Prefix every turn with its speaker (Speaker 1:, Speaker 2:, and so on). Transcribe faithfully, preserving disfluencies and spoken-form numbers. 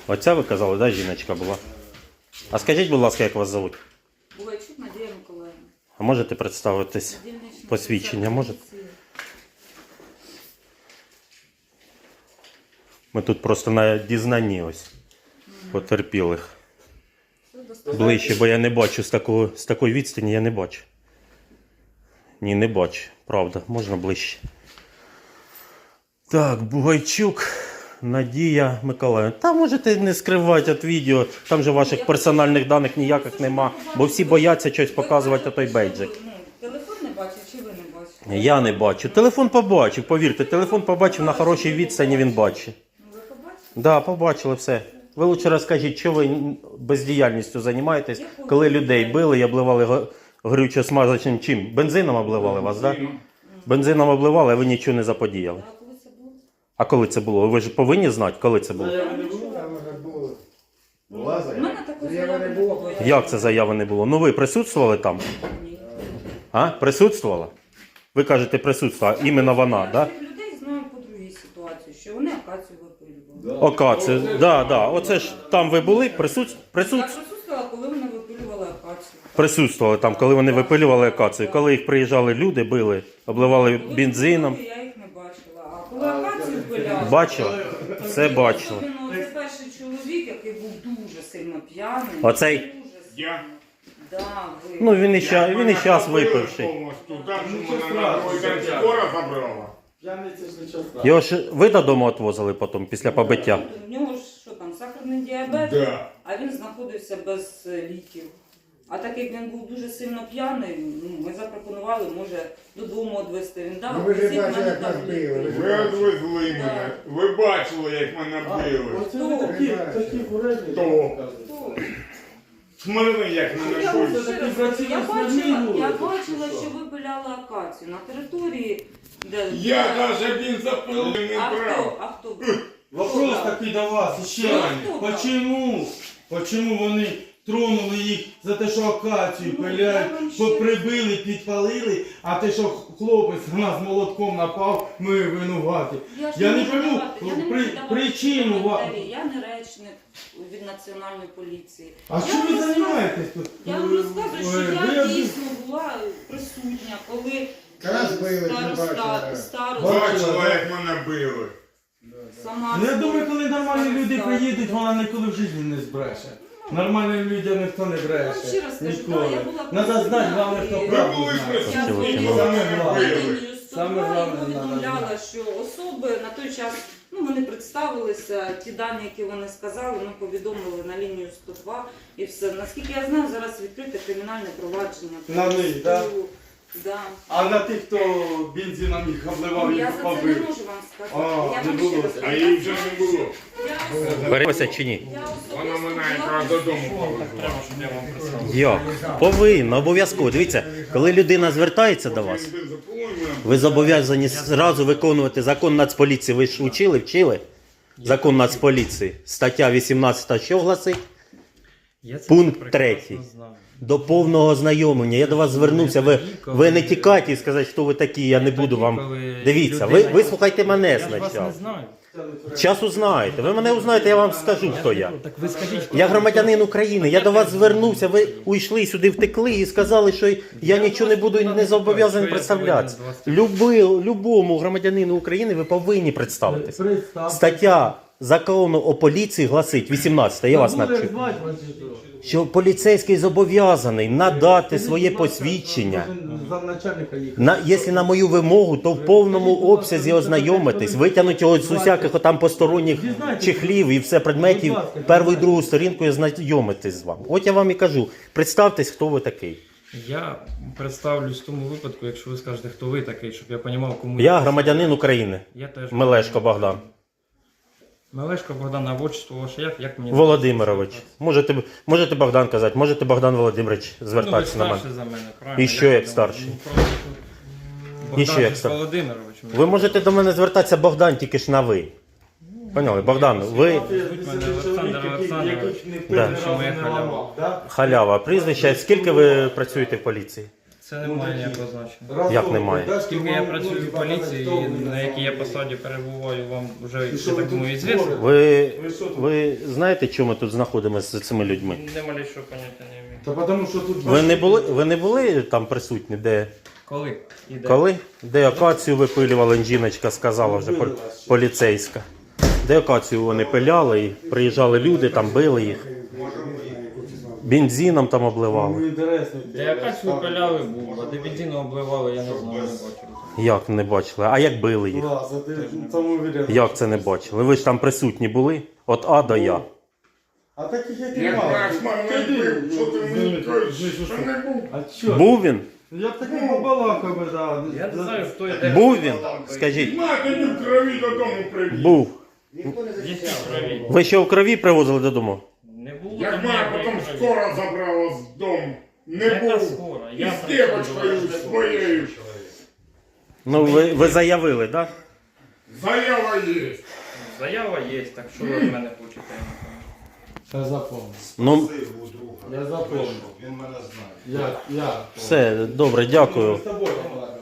Speaker 1: Оця ви казали, да, жіночка була? А скажіть, будь ласка, як вас звуть?
Speaker 2: Бугайчук Надія Миколаївна.
Speaker 1: А можете представитись?
Speaker 2: Дільнична
Speaker 1: Посвідчення
Speaker 2: офіцер
Speaker 1: можете?
Speaker 2: поліції.
Speaker 1: Ми тут просто на дізнанні ось потерпілих.
Speaker 2: Все достатньо.
Speaker 1: Ближче, бо я не бачу з такого, з такої відстані, я не бачу. Ні, не бачу. Правда, можна ближче. Так, Бугайчук Надія Миколаївна. Та можете не скривати від відео, там же ваших персональних даних ніяких нема, бо всі бояться щось показувати той бейджик.
Speaker 2: Ну, телефон не бачив чи ви не бачите?
Speaker 1: Я не бачу. Телефон побачив, повірте, телефон побачив на хорошій відстані, він бачить.
Speaker 2: Ну, ви побачите?
Speaker 1: Так, да, побачили все. Ви лучше розкажіть, що ви бездіяльністю займаєтесь, коли людей били і обливали горючо-смазочним чим? Бензином обливали вас, так? Да? Бензином обливали, а ви нічого не заподіяли.
Speaker 2: А коли це було?
Speaker 1: А коли це було? Ви ж повинні знати, коли це було?
Speaker 3: Заяви не було, там вже було. Була
Speaker 2: У
Speaker 3: заява?
Speaker 2: мене такої
Speaker 3: Заяви
Speaker 2: заяви
Speaker 3: не
Speaker 2: не
Speaker 3: було.
Speaker 2: було.
Speaker 1: Як це заяви не було? Ну ви присутствували там?
Speaker 2: Ні.
Speaker 1: А? Присутствувала? Ви кажете, присутствувала, іменно вона, так? Да?
Speaker 2: Я цих людей знаю по другій ситуації, що вони акацію випилювали.
Speaker 1: Ока, це, да, да. Оце ж там ви були, присут, присут,
Speaker 2: Я присутствувала, коли вони випилювали акацію.
Speaker 1: присутствували там, коли вони випилювали акацію. Коли їх приїжджали люди, били, обливали
Speaker 2: Коли
Speaker 1: бензином.
Speaker 2: випилювали, я їх не бачила. А коли акацію випиляли...
Speaker 1: Бачила? Все бачила.
Speaker 2: Особливо, це перший чоловік, який був дуже сильно п'яний.
Speaker 1: Оцей?
Speaker 2: Дуже сильно.
Speaker 4: Я?
Speaker 2: Да, ви.
Speaker 1: Ну він і щас, він і щас випивший.
Speaker 4: Повністю, так, що мене на другий день скоро забрала.
Speaker 3: П'яниця ж нічого страшного.
Speaker 1: Його ж ви додому відвозили потім, після побиття.
Speaker 2: У нього ж що там, сахарний діабет,
Speaker 4: Да.
Speaker 2: а він знаходився без е, ліків. А так як він був дуже сильно п'яний, ну, ми запропонували, може, додому відвезти. Він дав,
Speaker 3: Ну, ви ж
Speaker 2: візит,
Speaker 3: бачили,
Speaker 2: мене
Speaker 3: як
Speaker 2: там
Speaker 3: нас били,
Speaker 2: лікують.
Speaker 3: ви ж
Speaker 4: Ви відвезли мене. Ви бачили, як мене били.
Speaker 3: Оце ви такі, такі курені.
Speaker 4: Хто?
Speaker 2: Хто?
Speaker 4: Смирили, як мене
Speaker 2: Я, вам
Speaker 4: били.
Speaker 2: ще раз кажу, я бачила, я бачила, що ви пиляли акацію на території, де...
Speaker 4: Я навіть він запилив не
Speaker 2: А хто?
Speaker 4: брав.
Speaker 2: А хто був?
Speaker 5: Вопрос такий до вас ще.
Speaker 2: Хто?
Speaker 5: Почему? Почему вони тронули їх за те, що акацію
Speaker 2: Ну,
Speaker 5: пилять,
Speaker 2: я вам ще-
Speaker 5: прибили, підпалили, а те, що хлопець на нас молотком напав, ми винуваті.
Speaker 2: Я, ж
Speaker 5: Я не
Speaker 2: можу
Speaker 5: пойму
Speaker 2: давати- я не
Speaker 5: при-
Speaker 2: можу давати
Speaker 5: причину ва-
Speaker 2: коментарі. Я не речник від Національної поліції.
Speaker 5: А
Speaker 2: Я
Speaker 5: що
Speaker 2: вам
Speaker 5: ви
Speaker 2: розказую-
Speaker 5: займаєтесь тут?
Speaker 2: Я вам розказую, що
Speaker 5: Ви-
Speaker 2: я
Speaker 5: ви-
Speaker 2: дійсно була присутня, коли
Speaker 3: Раз били, не
Speaker 2: староста,
Speaker 3: бачили.
Speaker 2: староста,
Speaker 4: Бачила, як мене били.
Speaker 2: сама...
Speaker 5: Ну, я думаю, коли нормальні люди
Speaker 2: староста.
Speaker 5: приїдуть, вона ніколи в житті не збреше. Нормальним людям ніхто не
Speaker 2: Я вам
Speaker 5: бреше.
Speaker 2: ще раз кажу,
Speaker 5: Ніколи.
Speaker 2: да, я була
Speaker 5: Надо знати,
Speaker 2: присутня,
Speaker 5: головне, хто
Speaker 2: і-
Speaker 4: Ви
Speaker 5: правду
Speaker 4: були
Speaker 5: знає.
Speaker 4: присутні,
Speaker 2: Я
Speaker 1: Саме
Speaker 4: коли
Speaker 5: головне.
Speaker 4: мене
Speaker 2: на
Speaker 4: били.
Speaker 2: лінію
Speaker 5: Саме
Speaker 2: сто два і
Speaker 5: головне,
Speaker 2: повідомляла,
Speaker 5: надо
Speaker 2: що особи на той час, ну вони представилися, ті дані, які вони сказали, ми повідомили на лінію сто два і все. Наскільки я знаю, зараз відкрите кримінальне провадження.
Speaker 5: На них, да?
Speaker 2: Да.
Speaker 5: А на тих, хто бензином їх обливав,
Speaker 2: Я
Speaker 5: їх
Speaker 2: за це не
Speaker 5: побив.
Speaker 2: можу вам сказати.
Speaker 5: А,
Speaker 2: я
Speaker 5: не
Speaker 2: вам
Speaker 5: було
Speaker 2: ще раз
Speaker 5: це.
Speaker 2: кажу,
Speaker 4: А
Speaker 2: я
Speaker 4: її вже
Speaker 2: знаю,
Speaker 4: не було.
Speaker 2: що я-
Speaker 1: Береться чи ні?
Speaker 2: я особисто
Speaker 4: Вона мене
Speaker 2: була
Speaker 4: якраз додому
Speaker 2: присутня.
Speaker 4: повезла.
Speaker 1: Як? Повинно, обов'язково. Дивіться, коли людина звертається до вас,
Speaker 4: Він запилив мене.
Speaker 1: ви зобов'язані зразу виконувати закон Нацполіції. Ви ж учили, вчили? Закон Нацполіції. Стаття вісімнадцята, що гласить?
Speaker 6: Я це
Speaker 1: Пункт
Speaker 6: прекрасно
Speaker 1: третій.
Speaker 6: знаю.
Speaker 1: До повного ознайомлення. Я до вас звернувся. Ви, ви не тікайте і сказати, хто ви такі, я не буду вам. Дивіться, ви, ви слухайте мене
Speaker 6: Я ж вас не
Speaker 1: спочатку.
Speaker 6: знаю.
Speaker 1: Час узнаєте. Ви мене узнаєте, я вам скажу, хто я.
Speaker 6: Так ви скажіть, хто
Speaker 1: Я
Speaker 6: ви?
Speaker 1: громадянин України, я до вас звернувся, ви уйшли сюди, втекли і сказали, що я нічого не буду і не зобов'язаний представлятися. Люби, любому громадянину України ви повинні представитися.
Speaker 5: Представте.
Speaker 1: Стаття закону о поліції гласить, вісімнадцята, я вас
Speaker 5: Забули,
Speaker 1: навчу,
Speaker 5: як звати вас чи що?
Speaker 1: що поліцейський зобов'язаний надати своє посвідчення.
Speaker 5: Замначальника їх.
Speaker 1: На, якщо на мою вимогу, то в повному обсязі ознайомитись, витягнути його з усяких отам посторонніх чехлів і все предметів, першу і другу сторінку і ознайомитись з вами. От я вам і кажу, представтесь, хто ви такий.
Speaker 6: Я представлюсь в тому випадку, якщо ви скажете, хто ви такий, щоб я розумів, кому
Speaker 1: Я громадянин України,
Speaker 6: Я теж
Speaker 1: Мелешко Богдан
Speaker 6: Мелешко Богдан, а отчество ваше як? Як мені
Speaker 1: Володимирович. Можете, можете Богдан казати, можете Богдан Володимирович
Speaker 6: Ну, ви
Speaker 1: звертатися на мене.
Speaker 6: старший за мене, правильно?
Speaker 1: І що
Speaker 6: Я
Speaker 1: як
Speaker 6: думаю,
Speaker 1: старший?
Speaker 6: ну, просто
Speaker 1: І що
Speaker 6: Богдан
Speaker 1: як
Speaker 6: же
Speaker 1: старший?
Speaker 6: Володимирович.
Speaker 1: Ви можете до мене звертатися Богдан, тільки ж на ви. Поняли? Богдан, ви
Speaker 6: Олександр Олександрович.
Speaker 1: Да.
Speaker 6: Що моя халява.
Speaker 1: халява, прізвище. Скільки ви працюєте в поліції?
Speaker 6: Це не має ніякого значення.
Speaker 5: Разом
Speaker 1: Як немає?
Speaker 5: дашки
Speaker 6: Оскільки я
Speaker 5: вам,
Speaker 6: працюю
Speaker 5: ну,
Speaker 6: в
Speaker 5: типа,
Speaker 6: поліції,
Speaker 5: хто ви
Speaker 6: на якій я
Speaker 5: називаєте?
Speaker 6: посаді перебуваю, вам вже,
Speaker 5: І
Speaker 6: я
Speaker 5: що ви
Speaker 6: так думаю,
Speaker 5: тут
Speaker 6: звісно.
Speaker 5: творите?
Speaker 1: Ви,
Speaker 5: Ви що тут?
Speaker 1: ви знаєте, чому ми тут знаходимося з цими людьми?
Speaker 6: Не малейшого поняття не маю.
Speaker 5: Та потому що тут
Speaker 1: Ви не були, ви не були там присутні, де
Speaker 6: Коли? І де?
Speaker 1: коли? Де акацію випилювали, жіночка сказала вже пол- поліцейська. Де акацію вони пиляли, і приїжджали люди, там били їх. Бензином там
Speaker 5: Ну,
Speaker 1: обливали.
Speaker 5: інтересно.
Speaker 6: Де якась випиляли був, а де бензину обливали, я не знаю, не бачив.
Speaker 1: Як не бачили? А як били їх?
Speaker 5: Клас, а ти самовіряєш.
Speaker 1: Як це не бачили? Ви ж там присутні були? От А до Я.
Speaker 5: А таких як і
Speaker 4: Як
Speaker 5: мало.
Speaker 4: наш мене бив, що ти мені кажеш, що не був?
Speaker 5: А чо?
Speaker 1: Був він?
Speaker 5: Я б такий побалакав би, да.
Speaker 6: Я не знаю, хто я де.
Speaker 1: Був він? Скажіть.
Speaker 4: На тоді в крові додому привіз.
Speaker 1: Був.
Speaker 6: Є в крові.
Speaker 1: Ви що в крові привозили додому?
Speaker 6: Не було
Speaker 4: Як
Speaker 6: там
Speaker 4: мене
Speaker 6: ніякої
Speaker 4: потім
Speaker 6: крові.
Speaker 4: скоро забрала з дому. Не
Speaker 6: Яка
Speaker 4: був.
Speaker 6: скоро?
Speaker 4: І
Speaker 6: Я
Speaker 4: з
Speaker 6: працюю
Speaker 4: дівочкою
Speaker 6: до вас.
Speaker 4: своєю.
Speaker 1: Ну, ви, ви заявили, так?
Speaker 4: Заява є.
Speaker 6: Заява є, так що ви від мене хочете? я не
Speaker 5: Я запомнив.
Speaker 1: Ну,
Speaker 5: Я запомнив.
Speaker 7: Він мене знає.
Speaker 5: Я, я.
Speaker 1: все, добре, дякую.
Speaker 5: Ми з тобою побалакали.